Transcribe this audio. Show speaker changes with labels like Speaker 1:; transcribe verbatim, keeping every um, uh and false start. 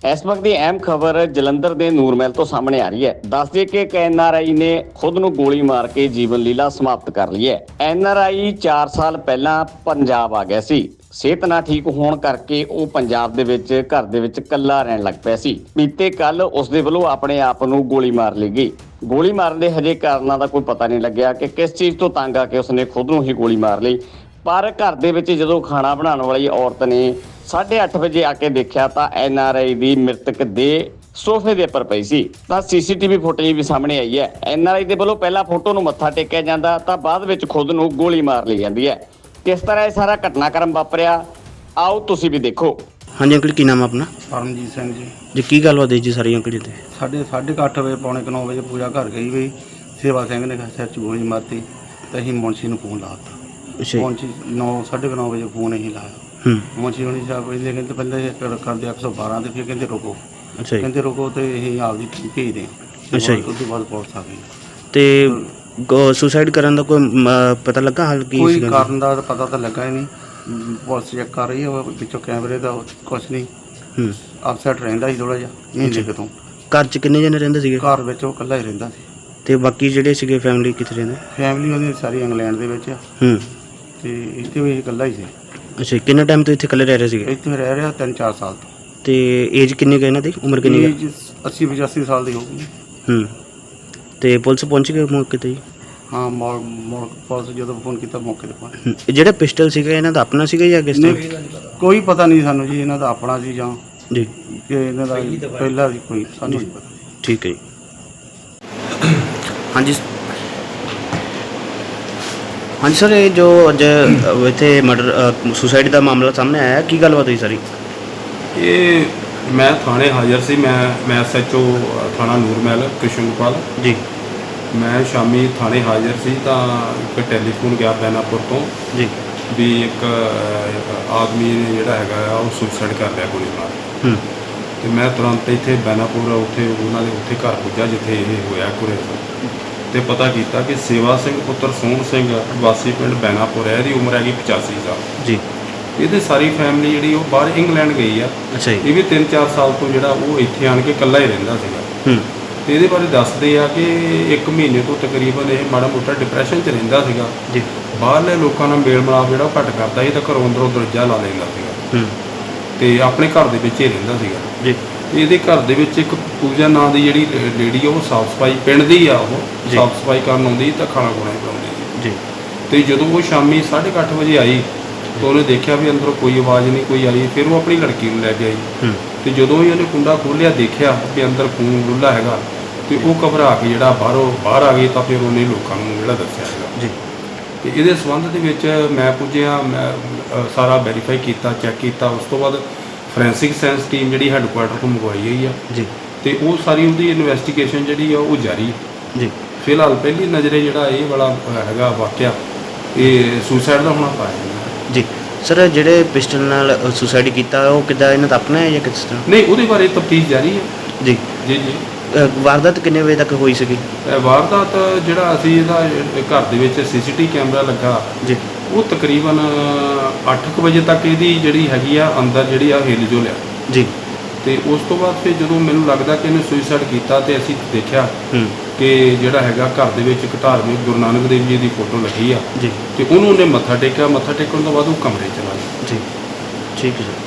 Speaker 1: ਇਸ ਵਕਤ ਦੀ ਅਹਿਮ ਖਬਰ ਜਲੰਧਰ ਦੇ ਨੂਰਮਹਿਲ ਤੋਂ ਸਾਹਮਣੇ ਆ ਰਹੀ ਹੈ। ਦੱਸ ਦਈਏ ਕਿ ਇੱਕ ਐਨ ਆਰ ਆਈ ਨੇ ਖੁਦ ਨੂੰ ਗੋਲੀ ਮਾਰ ਕੇ ਜੀਵਨ ਲੀਲਾ ਸਮਾਪਤ ਕਰ ਲਈ ਹੈ। ਐਨ ਆਰ ਆਈ ਚਾਰ ਸਾਲ ਪਹਿਲਾਂ ਪੰਜਾਬ ਆ ਗਿਆ ਸੀ। ਸਿਹਤ ਨਾ ਠੀਕ ਹੋਣ ਕਰਕੇ ਉਹ ਪੰਜਾਬ ਦੇ ਵਿੱਚ ਘਰ ਦੇ ਵਿੱਚ ਇਕੱਲਾ ਰਹਿਣ ਲੱਗ ਪਿਆ ਸੀ। ਬੀਤੇ ਕੱਲ ਉਸ ਦੇ ਵੱਲੋਂ ਆਪਣੇ ਆਪ ਨੂੰ ਗੋਲੀ ਮਾਰ ਲਈ ਗਈ। ਗੋਲੀ ਮਾਰਨ ਦੇ ਹਜੇ ਕਾਰਨਾਂ ਦਾ ਕੋਈ ਪਤਾ ਨਹੀਂ ਲੱਗਿਆ ਕਿ ਕਿਸ ਚੀਜ਼ ਤੋਂ ਤੰਗ ਆ ਕੇ ਉਸਨੇ ਖੁਦ ਨੂੰ ਹੀ ਗੋਲੀ ਮਾਰ ਲਈ। ਪਰ ਘਰ ਦੇ ਵਿੱਚ ਜਦੋਂ ਖਾਣਾ ਬਣਾਉਣ ਵਾਲੀ ਔਰਤ ਨੇ ਸਾਢੇ ਅੱਠ ਵਜੇ ਆ ਕੇ ਦੇਖਿਆ ਤਾਂ ਐਨ ਆਰ ਆਈ ਦੀ ਮ੍ਰਿਤਕ ਦੇ ਸੋਫੇ ਦੇ ਉੱਪਰ ਪਈ ਸੀ। ਤਾਂ ਸੀ ਸੀ ਟੀ ਵੀ ਫੁਟੇਜ ਵੀ ਸਾਹਮਣੇ ਆਈ ਹੈ। ਐਨ ਆਰ ਆਈ ਦੇ ਵੱਲੋਂ ਪਹਿਲਾਂ ਫੋਟੋ ਨੂੰ ਮੱਥਾ ਟੇਕਿਆ ਜਾਂਦਾ ਤਾਂ ਬਾਅਦ ਵਿੱਚ ਖੁਦ ਨੂੰ ਗੋਲੀ ਮਾਰ ਲਈ ਜਾਂਦੀ ਹੈ। ਕਿਸ ਤਰ੍ਹਾਂ ਇਹ ਸਾਰਾ ਘਟਨਾਕ੍ਰਮ ਵਾਪਰਿਆ, ਆਓ ਤੁਸੀਂ ਵੀ ਦੇਖੋ।
Speaker 2: ਹਾਂਜੀ ਅੰਕਲ, ਕੀ ਨਾਮ ਆਪਣਾ?
Speaker 3: ਪਰਮਜੀਤ ਸਿੰਘ ਜੀ।
Speaker 2: ਜੀ ਕੀ ਗੱਲਬਾਤ ਹੈ ਜੀ ਸਾਰੀ ਅੰਕਲ ਜੀ? ਤੇ
Speaker 3: ਸਾਡੇ ਸਾਢੇ ਕੁ ਅੱਠ ਵਜੇ ਪੌਣੇ ਕੁ ਨੌ ਵਜੇ ਪੂਜਾ ਘਰ ਗਈ ਵੀ ਸੇਵਾ ਸਿੰਘ ਨੇ ਸਿਰ 'ਚ ਗੋਲੀ ਮਾਰਤੀ ਤੇ ਅਸੀਂ ਮੁਨਸ਼ੀ ਨੂੰ ਫੋਨ ਲਾਤਾ।
Speaker 2: ਅੱਛਾ ਜੀ।
Speaker 3: ਮੁਨਸ਼ੀ ਨੌ ਸਾਢੇ ਕੁ ਨੌ ਵਜੇ ਫੋਨ ਅਸੀਂ ਲਾਇਆ।
Speaker 2: ਹੂੰ।
Speaker 3: ਮੁਨਸ਼ੀ ਹੋਣੀ ਸਾਹਿਬ ਇਹਦੇ ਕਹਿੰਦੇ ਪਹਿਲੇ ਕਰਦੇ ਇੱਕ ਸੌ ਬਾਰਾਂ ਤੇ ਫਿਰ ਕਹਿੰਦੇ ਰੁਕੋ।
Speaker 2: ਅੱਛਾ ਜੀ।
Speaker 3: ਕਹਿੰਦੇ ਰੁਕੋ ਤੇ ਅਸੀਂ ਆਪਦੀ ਟੀਮ ਭੇਜਦੇ ਹਾਂ।
Speaker 2: ਅੱਛਾ ਜੀ।
Speaker 3: ਉਸ ਤੋਂ ਬਾਅਦ ਪੁਲਿਸ ਆ ਗਈ
Speaker 2: ਤੇ ਸੁਸਾਈਡ ਕਰਨ ਦਾ ਕੋਈ ਮ, ਪਤਾ ਲੱਗਾ ਹਾਲ ਕੀ
Speaker 3: ਕੋਈ
Speaker 2: ਸੀਗਾ?
Speaker 3: ਕਾਰਨ ਦਾ ਪਤਾ ਤਾਂ ਲੱਗਾ ਹੀ ਨਹੀਂ। ਪੁਲਿਸ ਚੈੱਕ ਕਰ ਰਹੀ ਹੈ ਉਹ ਪਿੱਛੋਂ ਕੈਮਰੇ ਦਾ ਕੁਛ ਨਹੀਂ।
Speaker 2: ਹੂੰ।
Speaker 3: ਅਪਸੈਟ ਰਹਿੰਦਾ ਸੀ ਥੋੜ੍ਹਾ ਜਿਹਾ ਮਹੀਨੇ ਕੁ ਤੋਂ।
Speaker 2: ਘਰ 'ਚ ਕਿੰਨੇ ਜਣੇ ਰਹਿੰਦੇ ਸੀਗੇ?
Speaker 3: ਘਰ ਵਿੱਚ ਉਹ ਇਕੱਲਾ ਹੀ ਰਹਿੰਦਾ ਸੀ
Speaker 2: ਤੇ ਬਾਕੀ ਜਿਹੜੇ ਸੀਗੇ ਫੈਮਿਲੀ ਕਿੱਥੇ ਰਹਿੰਦੇ?
Speaker 3: ਫੈਮਿਲੀ ਉਹਦੀ ਸਾਰੀ ਇੰਗਲੈਂਡ ਦੇ ਵਿੱਚ ਆ
Speaker 2: ਹੂੰ।
Speaker 3: ਤੇ ਇੱਥੇ ਵੀ ਇਕੱਲਾ ਹੀ ਸੀ।
Speaker 2: ਅੱਛਾ, ਕਿੰਨੇ ਟਾਈਮ ਤੋਂ ਇੱਥੇ ਇਕੱਲੇ ਰਹਿ ਰਹੇ ਸੀਗੇ?
Speaker 3: ਇੱਥੇ ਰਹਿ ਰਿਹਾ ਤਿੰਨ ਚਾਰ ਸਾਲ ਤੋਂ।
Speaker 2: ਤੇ ਏਜ ਕਿੰਨੀ ਕੁ ਇਹਨਾਂ ਦੀ, ਉਮਰ ਕਿੰਨੀ ਕੁ?
Speaker 3: ਏਜ ਅੱਸੀ ਪਚਾਸੀ ਸਾਲ ਦੀ ਹੋਊਗੀ।
Speaker 2: ਹੂੰ। ਤੇ ਪੁਲਿਸ ਪਹੁੰਚ ਗਈ ਮੌਕੇ ਤੇ ਜੀ?
Speaker 3: ਹਾਂ, ਮੌੜ ਮੌੜ ਪੁਲਿਸ ਜਦੋਂ ਫੋਨ ਕੀਤਾ ਮੌਕੇ ਤੇ ਪਹੁੰਚ
Speaker 2: ਹੂੰ। ਇਹ ਜਿਹੜਾ ਪਿਸਟਲ ਸੀਗਾ ਇਹਨਾਂ ਦਾ ਆਪਣਾ ਸੀਗਾ ਜਾਂ ਕਿਸ ਤਰ੍ਹਾਂ?
Speaker 3: ਨਹੀਂ, ਕੋਈ ਪਤਾ ਨਹੀਂ ਸਾਨੂੰ ਜੀ ਇਹਨਾਂ ਦਾ ਆਪਣਾ ਸੀ ਜਾਂ
Speaker 2: ਜੀ।
Speaker 3: ਕਿ ਇਹਨਾਂ ਦਾ ਪਹਿਲਾਂ ਸੀ, ਕੋਈ ਸਾਨੂੰ ਨਹੀਂ ਪਤਾ।
Speaker 2: ਠੀਕ ਹੈ ਜੀ। ਹਾਂਜੀ ਹਾਂਜੀ ਸਰ, ਇਹ ਜੋ ਅੱਜ ਇੱਥੇ ਮਰਡਰ ਸੁਸਾਈਡ ਦਾ ਮਾਮਲਾ ਸਾਹਮਣੇ ਆਇਆ, ਕੀ ਗੱਲਬਾਤ ਹੋਈ ਸਾਰੀ?
Speaker 4: ਇਹ ਮੈਂ ਥਾਣੇ ਹਾਜ਼ਰ ਸੀ। ਮੈਂ ਮੈਂ ਐਸ ਐਚ ਓ ਥਾਣਾ ਨੂਰਮਹਿਲ ਕ੍ਰਿਸ਼ਨਪਾਲ
Speaker 2: ਜੀ।
Speaker 4: ਮੈਂ ਸ਼ਾਮੀ ਥਾਣੇ ਹਾਜ਼ਰ ਸੀ ਤਾਂ ਇੱਕ ਟੈਲੀਫੋਨ ਗਿਆ ਬੈਨਾਪੁਰ ਤੋਂ
Speaker 2: ਜੀ।
Speaker 4: ਵੀ ਇੱਕ ਆਦਮੀ ਨੇ ਜਿਹੜਾ ਹੈਗਾ ਆ ਉਹ ਸੁਸਾਈਡ ਕਰ ਲਿਆ ਗੋਲੀ ਮਾਰ ਕੇ।
Speaker 2: ਹੂੰ।
Speaker 4: ਤੇ ਮੈਂ ਤੁਰੰਤ ਇੱਥੇ ਬੈਨਾਪੁਰ ਉੱਥੇ ਉਹਨਾਂ ਦੇ ਉੱਥੇ ਘਰ ਪੁੱਜਾ ਜਿੱਥੇ ਇਹ ਹੋਇਆ ਕੁਰੇ ਤੇ ਪਤਾ ਕੀਤਾ ਕਿ ਸੇਵਾ ਸਿੰਘ ਪੁੱਤਰ ਸੋਹਣ ਸਿੰਘ ਵਾਸੀ ਪਿੰਡ ਬੈਨਾਪੁਰ ਹੈ। ਇਹਦੀ ਉਮਰ ਹੈਗੀ ਪਚਾਸੀ ਸਾਲ
Speaker 2: ਜੀ।
Speaker 4: ਇਹਦੇ ਸਾਰੀ ਫੈਮਿਲੀ ਜਿਹੜੀ ਉਹ ਬਾਹਰ ਇੰਗਲੈਂਡ ਗਈ ਆ।
Speaker 2: ਅੱਛਾ ਜੀ।
Speaker 4: ਇਹ ਵੀ ਤਿੰਨ ਚਾਰ ਸਾਲ ਤੋਂ ਜਿਹੜਾ ਉਹ ਇੱਥੇ ਆਣ ਕੇ ਇਕੱਲਾ ਹੀ ਰਹਿੰਦਾ ਸੀਗਾ।
Speaker 2: ਹੂੰ।
Speaker 4: ਤੇ ਇਹਦੇ ਬਾਰੇ ਦੱਸਦੇ ਆ ਕਿ ਇੱਕ ਮਹੀਨੇ ਤੋਂ ਤਕਰੀਬਨ ਇਹ ਮਾੜਾ ਮੋਟਾ ਡਿਪਰੈਸ਼ਨ 'ਚ ਰਹਿੰਦਾ ਸੀਗਾ
Speaker 2: ਜੀ।
Speaker 4: ਬਾਹਰਲੇ ਲੋਕਾਂ ਨਾਲ ਮੇਲ ਮਿਲਾਪ ਜਿਹੜਾ ਉਹ ਘੱਟ ਕਰਦਾ ਸੀ ਤਾਂ ਘਰੋਂ ਅੰਦਰੋਂ ਦਰਜਾ ਲਾ ਲੈਂਦਾ ਸੀਗਾ।
Speaker 2: ਹੂੰ।
Speaker 4: ਤੇ ਆਪਣੇ ਘਰ ਦੇ ਵਿੱਚ ਹੀ ਰਹਿੰਦਾ ਸੀਗਾ
Speaker 2: ਜੀ।
Speaker 4: ਤੇ ਇਹਦੇ ਘਰ ਦੇ ਵਿੱਚ ਇੱਕ ਪੂਜਾ ਨਾਂ ਦੀ ਜਿਹੜੀ ਲੇਡੀ ਆ ਉਹ ਸਾਫ਼ ਸਫਾਈ ਪਿੰਡ ਦੀ ਆ। ਉਹ ਸਾਫ਼ ਸਫਾਈ ਕਰਨ ਆਉਂਦੀ ਤਾਂ ਖਾਣਾ ਖੁਣਾ ਬਣਾਉਂਦੀ
Speaker 2: ਜੀ।
Speaker 4: ਤੇ ਜਦੋਂ ਉਹ ਸ਼ਾਮੀ ਸਾਢੇ ਕੁ ਅੱਠ ਵਜੇ ਆਈ ਤਾਂ ਉਹਨੇ ਦੇਖਿਆ ਵੀ ਅੰਦਰੋਂ ਕੋਈ ਆਵਾਜ਼ ਨਹੀਂ ਕੋਈ ਆਈ। ਫਿਰ ਉਹ ਆਪਣੀ ਲੜਕੀ ਨੂੰ ਲੈ ਕੇ ਆਈ।
Speaker 2: ਹੂੰ। ਤੇ
Speaker 4: ਤੇ ਜਦੋਂ ਹੀ ਉਹਨੇ ਕੁੰਡਾ ਖੋਲ੍ਹਿਆ ਦੇਖਿਆ ਕਿ ਅੰਦਰ ਖੂਨ ਡੁੱਲਾ ਹੈਗਾ ਤੇ ਉਹ ਘਬਰਾ ਕੇ ਜਿਹੜਾ ਬਾਹਰੋਂ ਬਾਹਰ ਆ ਗਈ ਤਾਂ ਫਿਰ ਉਹਨੇ ਲੋਕਾਂ ਨੂੰ ਜਿਹੜਾ ਦੱਸਿਆ ਹੈਗਾ।
Speaker 2: ਜੀ।
Speaker 4: ਤੇ ਇਹਦੇ ਸੰਬੰਧ ਦੇ ਵਿੱਚ ਮੈਂ ਪੁੱਜਿਆ, ਮੈਂ ਸਾਰਾ ਵੈਰੀਫਾਈ ਕੀਤਾ, ਚੈੱਕ ਕੀਤਾ। ਉਸ ਤੋਂ ਬਾਅਦ ਫੋਰੈਂਸਿਕ ਸਾਇੰਸ ਟੀਮ ਜਿਹੜੀ ਹੈੱਡਕੁਆਟਰ ਤੋਂ ਮੰਗਵਾਈ ਗਈ ਆ। ਜੀ। ਤੇ ਉਹ ਸਾਰੀ ਉਹਦੀ ਇਨਵੈਸਟੀਗੇਸ਼ਨ ਜਿਹੜੀ ਆ ਉਹ ਜਾਰੀ ਜੀ। ਫਿਲਹਾਲ ਪਹਿਲੀ ਨਜ਼ਰੇ ਜਿਹੜਾ ਇਹ ਵਾਲਾ ਹੈਗਾ ਵਾਕਿਆ ਇਹ ਸੁਸਾਈਡ ਦਾ ਹੋਣਾ ਪਾਇਆ
Speaker 2: ਜੀ। ਸਰ, ਜਿਹੜੇ ਪਿਸਟਲ ਨਾਲ ਸੁਸਾਈਡ ਕੀਤਾ ਉਹ ਕਿੱਦਾਂ, ਇਹਨਾਂ ਦਾ ਆਪਣਾ ਹੈ ਜਾਂ ਕਿਸ ਤਰ੍ਹਾਂ?
Speaker 4: ਨਹੀਂ, ਉਹਦੇ ਬਾਰੇ ਤਫਤੀਸ਼ ਜਾਰੀ ਹੈ। ਜੀ ਜੀ ਜੀ।
Speaker 2: ਵਾਰਦਾਤ ਕਿੰਨੇ ਵਜੇ ਤੱਕ ਹੋਈ ਸੀਗੀ?
Speaker 4: ਵਾਰਦਾਤ ਜਿਹੜਾ ਅਸੀਂ ਇਹਦਾ ਘਰ ਦੇ ਵਿੱਚ ਸੀ ਸੀ ਟੀ ਕੈਮਰਾ ਲੱਗਾ ਜੀ, ਉਹ ਤਕਰੀਬਨ ਅੱਠ ਕੁ ਵਜੇ ਤੱਕ ਇਹਦੀ ਜਿਹੜੀ ਹੈਗੀ ਆ ਅੰਦਰ ਜਿਹੜੀ ਆ ਹਿੱਲ ਜੋ ਲਿਆ ਜੀ। ਤੇ ਉਸ ਤੋਂ ਬਾਅਦ ਫਿਰ ਜਦੋਂ ਮੈਨੂੰ ਲੱਗਦਾ ਕਿ ਇਹਨੇ ਸੁਸਾਈਡ ਕੀਤਾ ਤੇ ਅਸੀਂ ਦੇਖਿਆ ਕਿ ਜਿਹੜਾ ਹੈਗਾ ਘਰ ਦੇ ਵਿੱਚ ਇੱਕ ਧਾਰਮਿਕ ਗੁਰੂ ਨਾਨਕ ਦੇਵ ਜੀ ਦੀ ਫੋਟੋ ਲੱਗੀ ਆ ਜੀ, ਤੇ ਉਹਨੂੰ ਉਹਨੇ ਮੱਥਾ ਟੇਕਿਆ। ਮੱਥਾ ਟੇਕਣ ਤੋਂ ਬਾਅਦ ਉਹ ਕਮਰੇ ਚਲਾ ਗਿਆ ਜੀ। ਠੀਕ ਹੈ ਜੀ।